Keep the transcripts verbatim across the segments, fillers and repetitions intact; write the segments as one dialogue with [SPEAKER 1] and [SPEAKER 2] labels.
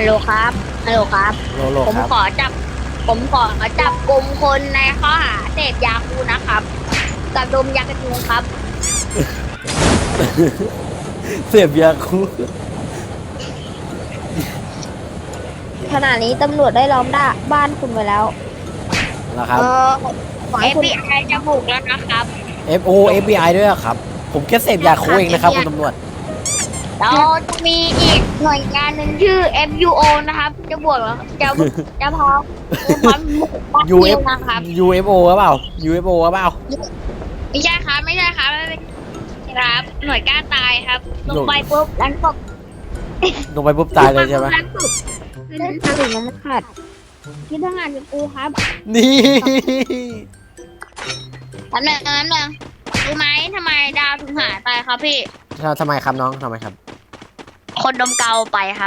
[SPEAKER 1] ฮัลโหลครับฮัลโหลครับ
[SPEAKER 2] โลโล
[SPEAKER 1] ผม
[SPEAKER 2] ครับ
[SPEAKER 1] ขอจับ ผมขอจับกลุ่มคนในข้อหาเสพยาคูนะครับกับดมยากระทุงครับ
[SPEAKER 2] เสพยาคู
[SPEAKER 3] ขณะนี้ตำรวจได้ล้อมด้าบ้านคุณไว้แล้ว
[SPEAKER 2] นะครับ
[SPEAKER 1] เออ
[SPEAKER 3] ขอ
[SPEAKER 1] เอ
[SPEAKER 3] ให้
[SPEAKER 1] ฟ
[SPEAKER 3] คุณ
[SPEAKER 1] บีไอจะบุกแล้วนะครับ
[SPEAKER 2] F O F B I ด้วยเหรอครับ ผมแค่เสพยาคูเองนะครับคุณตำรวจ
[SPEAKER 1] แล้วจะมีอีกหน่วยงานหนึ่งชื่อ เอฟ ยู โอ นะครับ จะบวกแล้วจะจะพร้อมจะพร้อมบุกบ้าน
[SPEAKER 2] U
[SPEAKER 1] นิ
[SPEAKER 2] F
[SPEAKER 1] วนะครับ
[SPEAKER 2] U F O หรือเปล่า U F O หรือเปล่า
[SPEAKER 1] ไม่ใช่ครับไม่ใช่ครับไม่ใช่ครับหน่วยกล้าตายครับล
[SPEAKER 2] หน่
[SPEAKER 1] ง
[SPEAKER 2] วย
[SPEAKER 1] ไปปุ๊บล้างศพ
[SPEAKER 2] ลงไปปุ๊บตายเลยใช่ไหม
[SPEAKER 1] ล้างศพ
[SPEAKER 3] ถ้าถึงน้ำขาดที่ทำงานกับกูครับ
[SPEAKER 2] นี่
[SPEAKER 1] อันหนึ่งอันหนึ่งรู้ไหมทำไมดาวถึงหายไปครับพี่
[SPEAKER 2] ทำไมครับน้องทำไมครับ
[SPEAKER 1] คนดมเกาไปครับ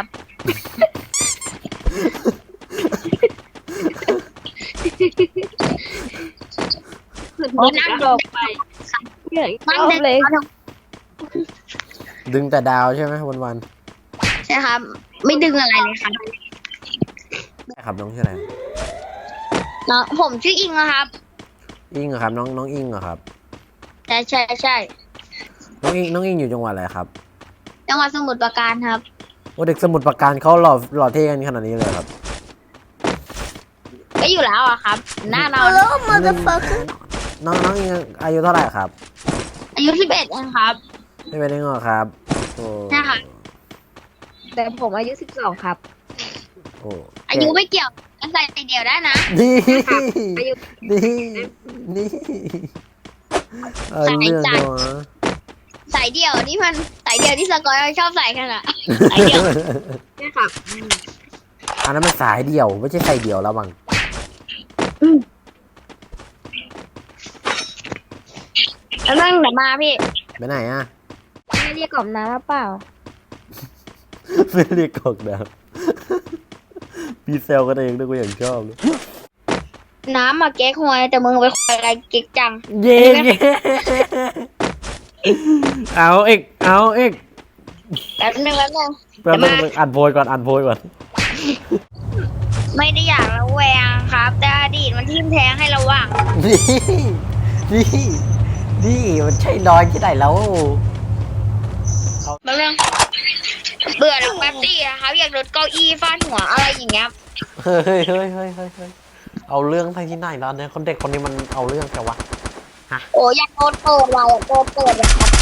[SPEAKER 1] โอ้นั่งดมไป
[SPEAKER 3] เหนื่อย
[SPEAKER 1] นั่ง
[SPEAKER 3] เอา
[SPEAKER 1] ดึง
[SPEAKER 3] เลย
[SPEAKER 1] เขาท
[SPEAKER 2] ดึงแต่ดาวใช่ไหมวันวัน
[SPEAKER 1] ำใช่ครับ ไม่ดึงอะไรเลยครับ
[SPEAKER 2] ๆใช่ครับน้องชื่ออะไร
[SPEAKER 1] น้องผมชื่ออิงนะครับ
[SPEAKER 2] อิงเหรอครับน้องน้องอิงเหรอครับ
[SPEAKER 1] ใช่ใช่ใช่
[SPEAKER 2] น้องอิงน้องอิงอยู่จังหวัดอะไรครับ
[SPEAKER 1] จังหวัดสมุทรปราการครับ
[SPEAKER 2] โอ้เด็กสมุทรปราการเขาหล่อหล่อเท่กันขนาดนี้เลยครับ
[SPEAKER 1] ก็อยู่แล้วอะครับ หน้าเรา
[SPEAKER 3] มันจะเฟิร์
[SPEAKER 2] น้องน้องอิงอายุเท่าไหร่ครับ
[SPEAKER 1] อายุสิบเอ็ดเองครับ
[SPEAKER 2] ไม่เป็นได้เหรอครับโอ้
[SPEAKER 1] ใช่ค่ะ
[SPEAKER 3] แต่ผมอายุสิบสองครับ
[SPEAKER 2] โอ้
[SPEAKER 1] อายุไม่เกี่ยวกันใส่เดียวได้นะ
[SPEAKER 2] นี่
[SPEAKER 3] อายุ
[SPEAKER 2] นี่นี่เอาเรื่องจังวะ
[SPEAKER 1] ใส่เดี่ยวนี่มันใส่เดี่ยวที่สกอยชอบใส่กันอะใส่เดี่ยว
[SPEAKER 3] นี่ครับ
[SPEAKER 2] อันนั้นมันสายเดี่ยวไม่ใช่ใส่เดี่ยวแล้วบัง
[SPEAKER 1] แล้วนั่งเดี๋ยวมาพี่
[SPEAKER 2] ไปไหนอ่ะ
[SPEAKER 3] ไม่เรียกกล่อมน้ำหรือเปล่า
[SPEAKER 2] ไม่เรียกกอกดาวพี่เซลกันเองด้วยกูอย่างชอบเลย
[SPEAKER 1] น้ำมาเก๊กฮวยแต่มึงไปควยอะไรเก๊กจัง
[SPEAKER 2] เย้เย้เอาเอกเอาเอก
[SPEAKER 1] แป๊บนึงแป๊บนึง
[SPEAKER 2] แป๊บนึงอ่านโพยก่อนอ่านโพยก่อน
[SPEAKER 1] ไม่ได้อยากระแวงครับ แต่อดีตมันทิ่มแทงให้ระวัง
[SPEAKER 2] นี่นี่นี่มันใช่น้อยที่ไหนแล้ว
[SPEAKER 1] แป๊บนึงเบื่อหรอกแป๊บตี้นะครับอยากรถเก้าอี้ฟาดหัวอะไรอย่างเงี้ย
[SPEAKER 2] เฮ้ยเฮ้ยเฮ้ยเฮ้ยเฮ้ยเฮ้ยเอาเรื่องไปที่ไหนแล้วเนี่ยคนเด็กคนนี้มันเอาเรื่องแกวะ
[SPEAKER 1] โอ้อยากโดนเปิดว่ะอยากโดนเปิดว่ะครับ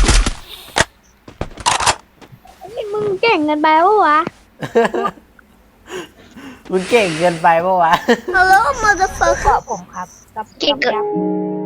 [SPEAKER 3] นี่มึงเก่งเกันไปปะวะ
[SPEAKER 2] มึงเก่งเกินไปปะวะ
[SPEAKER 3] Hello motherfucker ผมครับกับ
[SPEAKER 1] เก่งเกิน
[SPEAKER 3] กับ